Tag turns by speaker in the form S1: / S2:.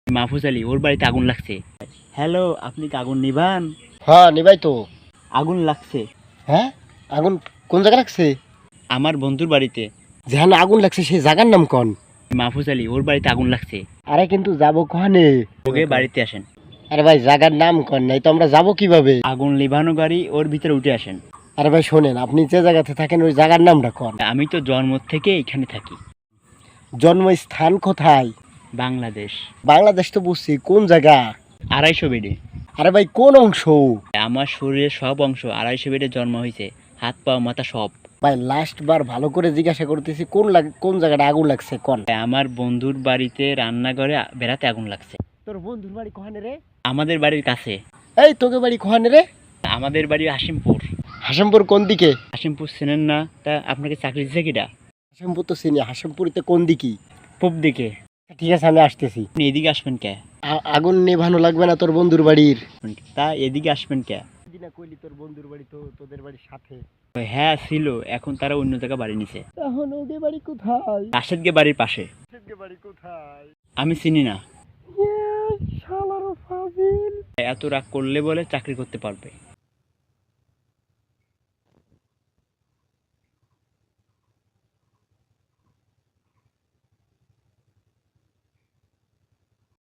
S1: মাহফুজ আলী, ওর বাড়িতে আগুন লাগছে। হ্যালো, আপনি কি আগুন নিভান?
S2: হ্যাঁ নিবাই তো।
S1: আগুন লাগছে
S2: হ্যাঁ, আগুন কোন জায়গা লাগছে?
S1: আমার বন্ধুর বাড়িতে।
S2: যেখানে আগুন লাগছে সেই জায়গার নাম কোন?
S1: মাহফুজ আলী, ওর বাড়িতে আগুন লাগছে।
S2: আরে কিন্তু যাবো কখানে?
S1: ওকে বাড়িতে আসেন।
S2: আরে ভাই জায়গার নাম কোন, নাই তো আমরা যাবো কিভাবে?
S1: আগুন লিভানো গাড়ি, ওর ভিতরে উঠে আসেন।
S2: আরে ভাই শোনেন, আপনি যে জায়গাতে থাকেন ওই জায়গার নামটা কোন?
S1: আমি তো জন্ম থেকে এখানে থাকি।
S2: জন্মস্থান কোথায়?
S1: বাংলাদেশ।
S2: বাংলাদেশ তো বুঝছি, কোন জায়গা?
S1: 250 বেডে।
S2: আরে ভাই কোন অংশ?
S1: আমার শরীরের সব অংশ 250 বেডে জন্ম হয়েছে, হাত পা মাথা সব।
S2: ভাই লাস্ট বার ভালো করে জিজ্ঞাসা করতেছি, কোন জায়গাটা আগুন লাগছে কোন?
S1: আমার বন্ধুর বাড়িতে রান্নাঘরে বেড়াতে আগুন লাগছে।
S2: তোর বন্ধুর বাড়ি কোহানে রে?
S1: আমাদের বাড়ির কাছে।
S2: এই তোকে বাড়ি কোহানে রে?
S1: আমাদের বাড়ি হাসিমপুর।
S2: হাসেমপুর কোন দিকে?
S1: হাসিমপুর চেনেন না? তা আপনাকে চাকরি দিচ্ছে কিটা?
S2: হাসেমপুর তো চিনি, হাসেমপুরিতে কোন দিকে?
S1: পূব দিকে।
S2: ঠিক আছে আমি আসতেছি।
S1: আপনি এদিকে আসবেন কে?
S2: আগুন নেভানো লাগবে না তোর বন্ধুর বাড়ির?
S1: তা এদিকে আসবেন কে?
S2: দিনা কইলি তোর বন্ধুর বাড়ি তো তোদের বাড়ির সাথে।
S1: হ্যাঁ ছিল, এখন তারা অন্য জায়গায় বাড়ি নিছে।
S2: এখন ওদের বাড়ি কোথায়?
S1: রাশেদকে বাড়ির পাশে।
S2: ওদের বাড়ি কোথায়?
S1: আমি চিনি না।
S2: শালার ফাজিল।
S1: এত রাগ করলে বলে চাকরি করতে পারবে।